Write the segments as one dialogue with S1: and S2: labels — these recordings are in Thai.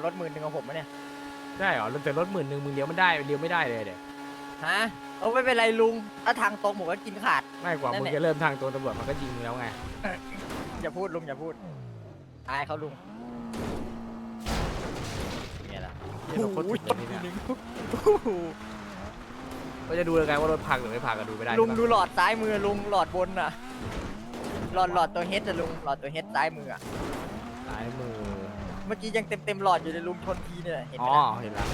S1: รถ10,000ของผมนะเนี่ย
S2: ได้เหรอแต่รถ10,000มึงเลี้ยวมันได้เลี้ยวไม่ได้เลยเดี๋ยว
S1: ฮะไม่เป็นไรลุงถ้าทางตรงผมก็กินขาด
S2: ไม่กว่า
S1: นั่น
S2: มึง
S1: แหละ
S2: จะเริ่มทางตัวตำรวจมันก็ยิงมึงแล้วไง
S1: อย่าพูดลุงอย่าพูดอายเขาลุงเนี่ยล่ะ
S2: เหี้ยรถโคตรถึกเลยเนี่ยก็จะดูเลยไงว่ารถพังหรือไม่พังก็ดูไม่ได้
S1: ลุง
S2: ใช่ปะ
S1: ดูหลอดซ้ายมือลุงหลอดบนน่ะหลอดตัวเฮดอะลุงหลอดตัวเฮดซ้ายมืออะ
S2: ซ้ายมือ
S1: เมื่อกี้ยังเต็มหลอดอยู่เลยลุงชนทีเนี่ยเห็นไห
S2: อ๋
S1: ม
S2: อ
S1: ล่ะ
S2: เห็นแล้ว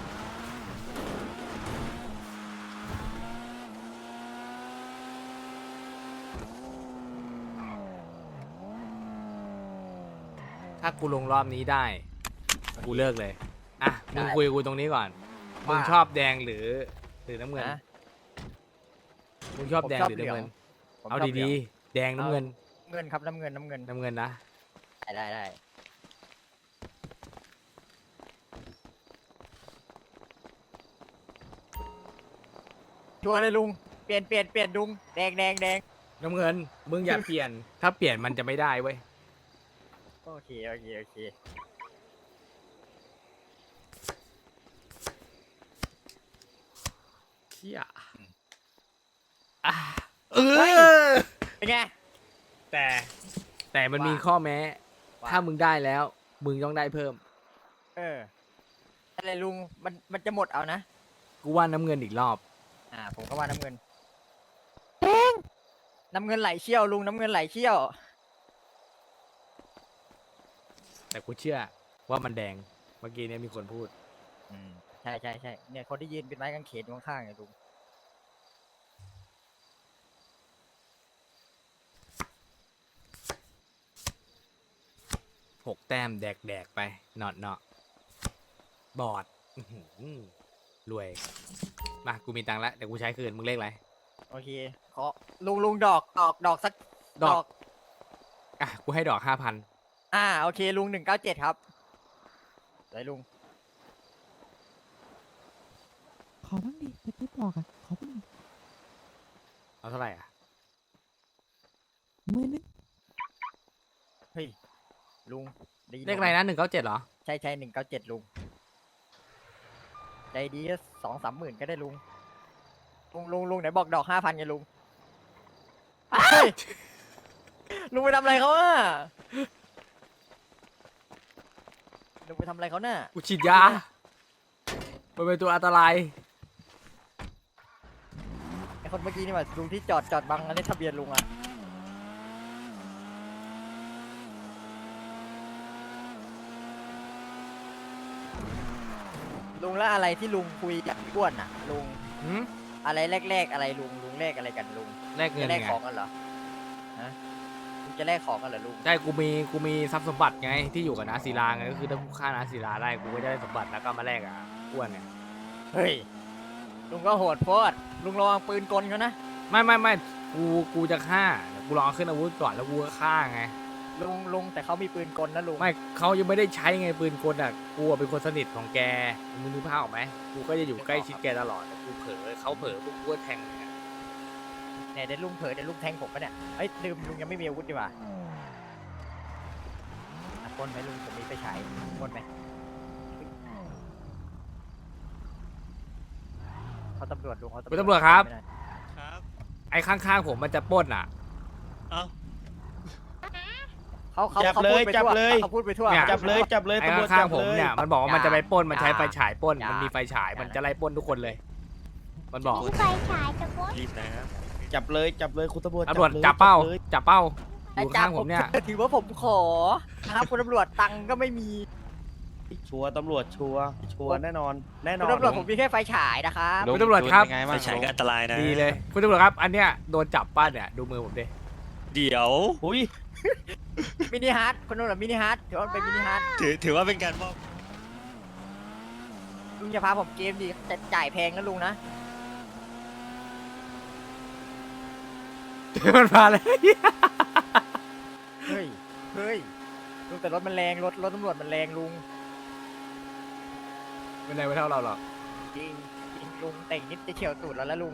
S2: ถ้ากูลงรอบนี้ได้กูเลิกเลยอ่ะมึงคุยกับกูตรงนี้ก่อนมึงชอบแดงหรือน้ำเงิน
S1: นะ
S2: มึงชอบแดงหรือน้ำเงิน
S1: ผม
S2: เอา
S1: ชบหลื
S2: ดี
S1: ง
S2: ๆแดงน้ำเงิน
S1: เงินครับน้ำเงิน
S2: น้ำเงินนะ
S1: ได้ชัวร์เลยลุงเปลี่ยนลุงแดง
S2: น้ำเงินมึงอย่าเปลี่ยน ถ้าเปลี่ยนมันจะไม่ได้เว้ย
S1: โอเค
S2: เชี่ยอ่ะเอ
S1: เฮ้ย
S2: อ
S1: เป็นไง
S2: แต่มันมี
S1: ว่า
S2: ข้อแม้
S1: ว่า
S2: ถ้ามึงได้แล้ว มึงต้องได้เพิ่ม
S1: อะไรลุงมันจะหมดเอานะ
S2: กูว่าน้ำเงินอีกรอบ
S1: ผมก็ว่าน้ำเงินน้ำเงินไหลเชี่ยวลุงน้ำเงินไหลเชี่ยว
S2: แต่กูเชื่อว่ามันแดง เมื่อกี้เนี่ยมีคนพูด
S1: ใช่เนี่ยคนที่ยืนเป็นไม้กางเขนอยู่ข้างๆเนี่ยลุง
S2: 6 แต้มแดกไปเนาะบอดอื้อหือรวย มา กูมีตังค์แล้วเดี๋ยวกูใช้คืน มึงเลขอะไร
S1: โอเคขอลุงดอกสัก
S2: ดอก อ่ะ กูให้ดอก 5,000
S1: โอเคลุง197ครับไหนลุง
S3: ขอบ้างดิจะติ๊บบอกอ่ะ ขอบ้างดิ
S2: เอาเท่าไหร่อ่ะ
S3: มือนึง
S1: เฮ้ยลุงได้ยิน
S2: เลขอะไรนะ197เหรอ
S1: ใช่197ลุงใจดีก็2-3 หมื่นก็ได้ลุงไหนบอกดอก5,000ไงลุงเฮ้ยลุงไปทำอะไรเขาอ่ะลุงไปทำอะไรเขาน่ะ
S2: กูฉีดยา มันเป็นตัวอันตราย
S1: ไอคนเมื่อกี้นี่ว่าลุงที่จอดบังอันนี้ทะเบียนลุงอ่ะลุงแล้วอะไรที่ลุงคุยกับพี่อ้วนอ่ะลุง
S2: หืม
S1: อะไรแรกอะไรลุงแรกอะไรกันลุง
S2: แลกเงิ
S1: จะ
S2: น
S1: แลก
S2: ไง
S1: ของกันเหรอฮะลุงจะแลกของกันเหรอลุง
S2: ใช่กูมีทรัพย์สมบัติไงที่อยู่กับนาศิลาไงก็คือถ้ากูฆ่านาศิลาได้กูก็จะได้สมบัติแล้วก็มาแลกอ่ะอ้วนไง
S1: เฮ้ยลุงก็โหดโพดลุงระวังปืนกลเขานะ
S2: ไม่กูจะฆ่าเดี๋ยวกูลองเอาขึ้นอาวุธก่อนแล้วกูก็ฆ่าไง
S1: ลุงแต่เขามีปืนกลนะลุง
S2: ไม่เขายังไม่ได้ใช้ไงปืนกลอ่ะกูอะเป็นคนสนิทของแกมึงนึกภาพออกไหมกูก็จะอยู่ใกล้ชิดแกตลอดแต่กูเผลอเขาเผลอปุ๊บกูก็แทงเลยอะ
S1: เนี่ยเดี๋ยวลุงเผลอเดี๋ยวลุงแทงผมปะเนี่ยเอ้ยลืมลุงยังไม่มีอาวุธดีกว่าปล้นไหมลุงผมมีไฟฉายปล้นไหมเขาตำรวจลุงเขา
S2: คุณตำรวจครับ
S1: ไม่ได้
S4: ครับ
S2: ไอ้ข้างๆผมมันจะปล้นอ่ะ
S4: เอ้า
S1: เขา
S4: จับ
S1: เขา
S4: เล
S1: พูด
S4: ย
S1: ไป
S4: จับ
S1: ทั่ว
S4: เลย
S1: เขาพูดไปทั่ว
S2: เนี่ย
S4: จับเลยจับเลย
S2: ไอ้
S4: ตำรวจ
S2: ข้า
S4: จั
S2: ง
S4: บ
S2: ๆผม
S4: เลย
S2: เนี่ยมันบอกว่ามันจะไปปล้นมันใช้
S1: อย่า
S2: ไฟฉายปล้น
S1: อย่ามั
S2: มันมีไฟฉาย
S1: อย่า
S2: มันจะไล่ปล้นทุกคนเลย มันบอก
S5: มีไฟฉายจะพ้น
S4: รีบนะครับจับเลยคุณตำรวจ
S2: ตำรวจ
S4: ลย
S2: จับเป้า
S4: เลย
S2: จับเป้าอ
S1: ไอ้
S2: ยู่
S1: จั
S2: ข้า
S1: บ
S2: งผมเนี่ย
S1: ถือว่าผมขอนะครับคุณตำรวจตังค์ก็ไม่มี
S4: ชัวร์ตำรวจชัวร์แน่นอนแน่น
S1: คุ
S4: อ
S1: ณ
S4: น
S1: ตำรวจผมมีแค่ไฟฉายนะครับ
S2: คุณตำรวจครับ
S4: ไฟฉายก็อันตรายนะ
S2: ดีเลยคุณตำรวจครับ อันเนี้ยโดนจับป้าเนี่ยดูมือผมดิ
S4: เดี๋ยวอุ้ย
S1: มินิฮาร์ดคุณตำรวจมินิฮาร์ดถือว่ามันเป็นมินิฮาร์ด
S4: ถือว่าเป็นการมอบ
S1: ลุงจะพาผมเกมดิจะจ่ายแพงนะลุงนะ
S2: มันมาเลย
S1: เฮ้ยลุงแต่รถมันแรงรถตำรวจมันแรงลุง
S2: ไม่ได้ไม่เท่าเราหรอก
S1: จริงลุงแต่งนิดจะเฉียวตูดแล้วลุง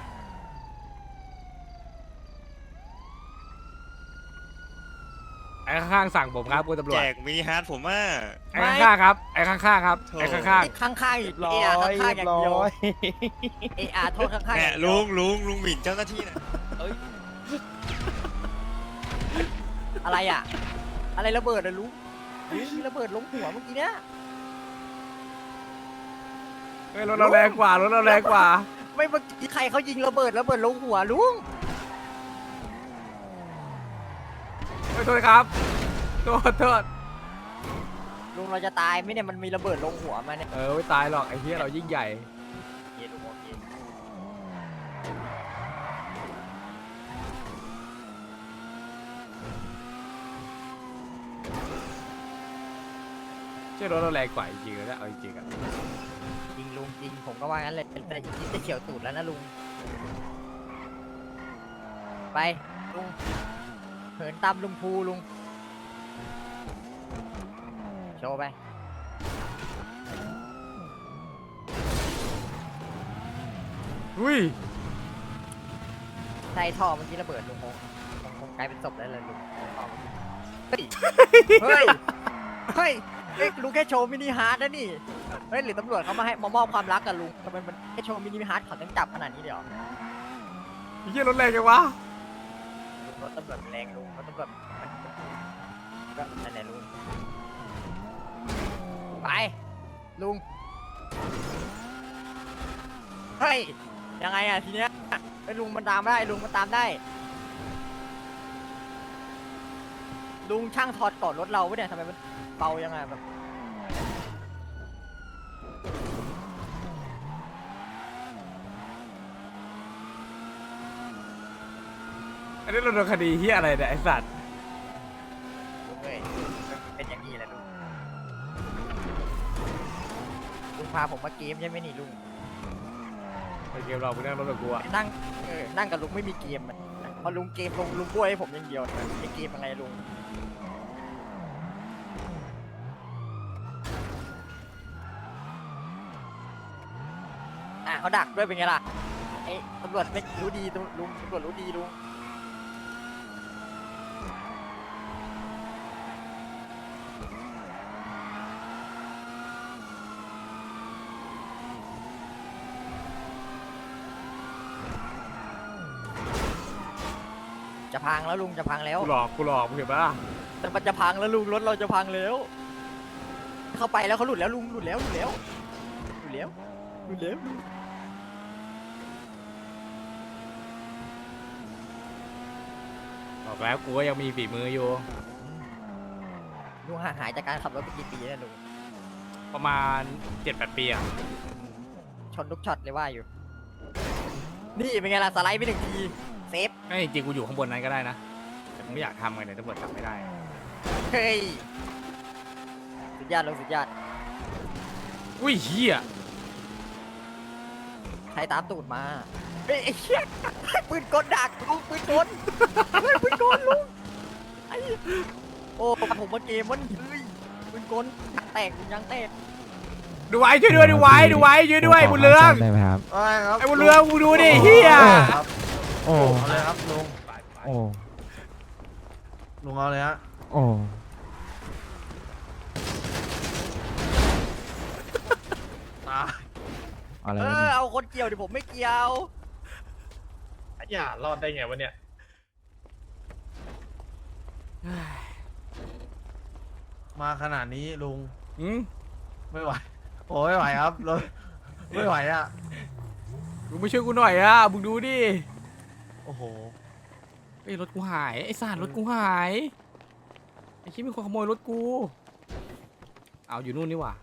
S2: ไออ้ข้างๆสั่งผมครับคุณตำรว
S5: แจ
S2: จ
S5: กมินิฮาร์ดผมว่า
S2: ไอ้ข้างๆครับไอ้ข้างๆครับ
S5: โถ่
S2: ไอ้ข้าง
S1: ข้างๆอีก
S4: ร้อ
S1: เอย ข้างๆอย่างเดียว
S4: ร้อย
S1: เออาโทษข้างๆอ
S5: เนี่ย
S1: ย่างเดียว
S5: ลุงหมิ่นเจ้าหน้าที่นะ
S1: อะไรอ่ะ อะไรระเบิดอะลุงมีระเบิดลงหัวเมื่อกี้เนี้ย
S2: ๆเฮ้ยรถเราแรงกว่ารถเราแรงกว่า
S1: ไม่เมื่อกี้ใครเขายิงระเบิดลงหัวลุง
S2: เฮ้ยโทษครับโทษ
S1: ลุงเราจะตายไหมเนี่ยมันมีระเบิดลงหัวมาเนี่ย
S2: ไม่ตายหรอกไอ้เหี้ยเรายิ่งใหญ่
S1: โอเคลุงโอเค
S2: เชื่อรถเราแรงกว่าจริงๆแล้วเอาจริงๆอ่ะ
S1: จริงลุงจริงผมก็ว่างั้นเลยแต่อีกนิดจะเฉียวตูดแล้วนะลุงไปลุงเหินตามลุงภูลุงโชว์ไป
S2: อุ้ย
S1: ใช่ท่อเมื่อกี้ระเบิดลุงคงกลายเป็นศพได้เลยลุงเฮ้ย เฮ้ย เฮ้ยลุงแค่โชว์มินิฮาร์ดนะนี่ เฮ้ยหรือตำรวจเขามาให้มามอบความรักกับลุงทำไมมันแค่โชว์มินิฮาร์ดเขาต้องจับขนาดนี้เดี๋ยว
S2: ไอ้เหี้ยรถแรงจังวะ
S1: ลุงรถตำรวจมันแรงลุงรถตำรวจก็นั่นแหละลุง ไป ลุง เฮ้ย ยังไงอะทีเนี้ยไอ้ลุงมันตามได้ลุงมันตามได้ ลุงช่างถอดก่อนรถเราวะเนี่ยทำไมมันเบายังไงแบบ
S2: อันนี้เราโดนคดีเหี้ยอะไรเนี่ยไอ้สัตว์
S1: ลุงเอ้ยเป็นอย่างนี้แหละลุง ลุงพาผมมาเกมใช่ไหมนี่ลุง
S2: ไปเกมเราไปนั่งรถกับกูอะ
S1: นั่งนั่งกับลุงไม่มีเกมมันพอลุงเกมลุงบ้วยให้ผมอย่างเดียวไอเกมยังไงลุง เขาดักด้วยเป็นไงล่ะไอ้ตำรวจไม่รู้ดีลุงตำรวจรู้ดีลุงจะพังแล้วลุงจะพังแล้ว
S2: กูหลอกมึงเห็นปะล่ะ
S1: แต่มันจะพังแล้วลุงรถเราจะพังแล้วเข้าไปแล้วเขาหลุดแล้วลุงหลุดแล้วลุง
S2: บอกแล้วกูก็ยังมีฝีมืออยู่
S1: ลุงห่างหายจากการขับรถไปกี่ปีแล้วลุง
S2: ประมาณ 7-8 ปีอะ
S1: ชนทุกช็อตเลยว่าอยู่ นี่เป็นไงล่ะสไลด์ไปหนึ่งทีเซฟ
S2: ไม่จริงๆกูอยู่ข้างบนนั้นก็ได้นะแต่กูไม่อยากทำไงเนี่ยตำรวจจับไม่ได้
S1: เฮ้ยสุดยอดลุงสุดยอด
S2: อุ้ยเหี้ย
S1: ใครตามตูดมาเฮ้ยไอ้เชี่ยปืนกลดักลุงปืนกลเฮ้ยปืนกลลุงไอ้โอ้ผมมาเกมมันเฮ้ยปืนกลแตกลุงยังแตก
S2: ดูไว้ช่วยด้วยดูไว้ช่วยด้วยบุญเรือง
S3: ได้ไหมครับ
S4: ครับ
S2: ไอ้บุญเรืองมึงดูดิเหี้ย
S4: ครับ
S3: โอ้
S4: เอาเลยครับลุง
S3: โอ้
S4: ลุงเอาเลยฮะ
S3: โอ้
S4: ตาย
S3: อะไรวะเนี่ย
S1: เอาคนเกี่ยวดิผมไม่เกี่ยว
S6: อย่ารอดได้ไงวะเนี่ย
S4: มาขนาดนี้ลุง
S2: อืม
S4: ไม่ไหวโอ้ไม่ไหวครับรถไม่ไหวอ่ะ
S2: มึงไม่ช่วยกูหน่อยอะมึงดูดิ
S4: โอ้โห
S2: ไอ้ยรถกูหายไอ้สารรถกูหายไอ้คิดมีคนขโมยรถกูเอาอยู่นู่นนี่หว่า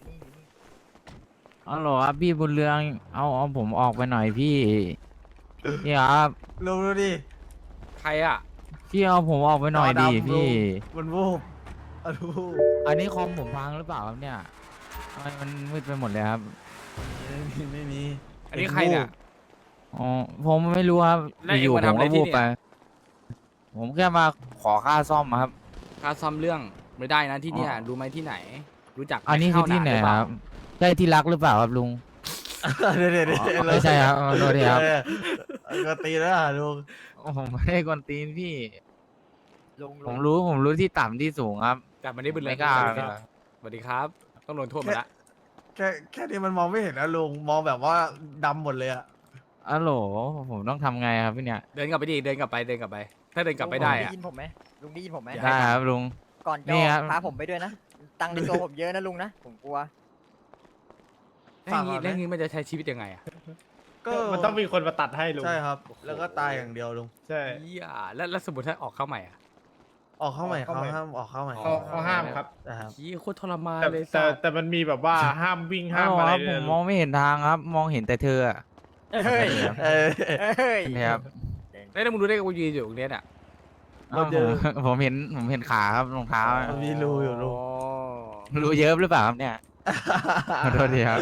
S3: อ๋อเหรอครับพี่บุญเรืองเอาผมออกไปหน่อยพี่นี่ครับ
S4: ลุงดูดิ
S2: ใครอะ
S3: พี่เอาผมออกไปหน่อยดิ
S4: จอดำ
S3: พี่
S4: มันวูบอะดู
S3: อันนี้คอมผมพังหรือเปล่าครับเนี่ยทำไมมันมืดไปหมดเลยครับ
S4: ไม่มี
S2: อันนี้ใครเนี่ย
S3: อ๋อผมไม่รู้ครับ
S2: แล้วเอ็ง
S3: อยู่
S2: มา
S3: ๆผม
S2: ทำอะไร
S3: ก็
S2: ที่
S3: วูบ
S2: เนี่ย
S3: ไป ผมแค่มาขอค่าซ่อมครับ
S2: ค่าซ่อมเรื่องไม่ได้นะที่เนี่ยรู้ไหมที่ไหน รู้จัก
S3: อันนี้คือที่ไหนครับใช่ที่รักหรือเปล่าครับลุง
S4: เดี๋ยว
S3: อ๋อไม่ใช่ครับขอโทษทีครับ
S4: ก็ตีแล้วอะลุง
S3: ผมไม่ได้กวนตีนพี่ผมรู้ที่ต่ำที่สูงครับ
S2: กลับมาได้บุญเลย
S3: ไม่กล้า
S2: สวัสดีครับต้องลงโทษมาละ
S7: แค่นี้มันมองไม่เห็นนะลุงมองแบบว่าดำหมดเลยอะ
S3: อ๋อโหลผมต้องทำไงครับพี่เนี่ย
S2: เดินกลับไปดิเดินกลับไปถ้าเดินกลับไปได้
S1: ลุง
S2: อะ
S1: ได้ยินผมไหมลุงได้ยินผมไหม
S2: อย่า
S3: ได้ครับลุง
S1: ก่อนจะ
S3: นี่
S1: อ
S3: ครั
S1: อบ กพาผมไปด้วยนะ ตังค์ในตัวผมเยอะนะลุงนะ ผมกลัว
S2: แล้วอย่างงี้มันจะใช้ชีวิตยังไงอะ
S7: ก็
S6: มันต้องมีคนมาตัดให้ลุง
S7: ใช่ครับ แล้วก็ตายอย่างเดียวลุง
S6: ใช่
S2: เหี้ยแล้วสมมติถ้าออกเข้าใหม่อะ
S7: ออกเข้าใหม่
S6: ออก
S7: เขา
S6: เข้าใหม่
S7: ห้ามออกเข้าใหม่
S6: เขาห้ามครับ
S7: นะครับ
S2: เหี้ยโคตรทรมาน
S6: แต่
S2: เลย
S6: แต่
S2: สัส
S6: แต่มันมีแบบว่าห้ามวิ่งห้าม
S3: อ๋อ
S6: อะไร
S3: ครับ
S6: ด้
S3: ผ
S6: วย
S3: ม
S6: นะ
S3: มองไม่เห็นทางครับ มองเห็นแต่เธออะ
S1: เฮ้ย
S7: เออ
S1: เฮ้ย
S3: นี่ครับ
S2: แล้วมึงรู้ได้ไงกูยืนอยู่ตรงเนี้ยน่ะ
S3: อ้าวผมเห็นขาครับรองเท้าอะ
S7: มันมีรูอยู่ลุง
S3: รู้เยอะหรือเปล่าครับเนี่ยขอโทษทีครับ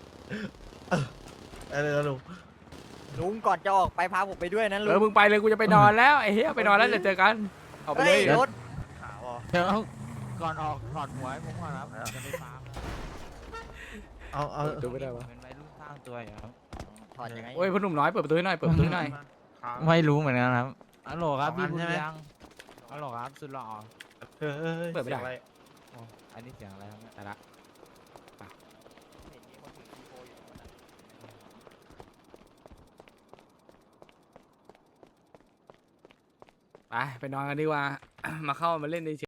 S7: เออลุง
S1: ลุงก่อนจะออกไปพาผมไปด้วยนะลุ
S2: มึงไปเลยกูจะไปนอนแล้วไอ้เหี้ยไปนอนแล้วเดี๋ยวเจอกันเอาไปเล
S1: เฮ้
S2: ย
S1: ยรถ
S7: ขาวอ่ะ
S3: เดี๋ยวก่อนออกถอดหัวให้ผมก่อนครับจะไปฟาร์มแล้ว
S7: เอา
S2: ดูไม่ได้วะ
S3: เป็นวัยรุ่นสร้างตัวอยู่ครับ
S1: ถอดยังไง
S2: โอ้ยพ่อหนุ่มน้อยเปิดประตูให้หน่อยเปิดประตูให้หน่อย
S3: ไม่รู้เหมือนกันครับฮัลโหลครับ
S7: สองอั
S3: พี่
S7: น
S3: บุญ
S7: ใช่ไหม
S3: ยังฮัลโหลครับสุดหล่อ
S7: เฮ้ย
S2: เปิดไม่ได้
S7: สียงอะร
S3: โอ้อันนี้เสียงอะไรครับเนี่ย
S2: แต่ละ
S1: เห็นมีคนถือซีโฟอยู่ตรงนั้นน่ะ
S2: ไปนอนกันดีกว่า มาเข้ามาเล่นใน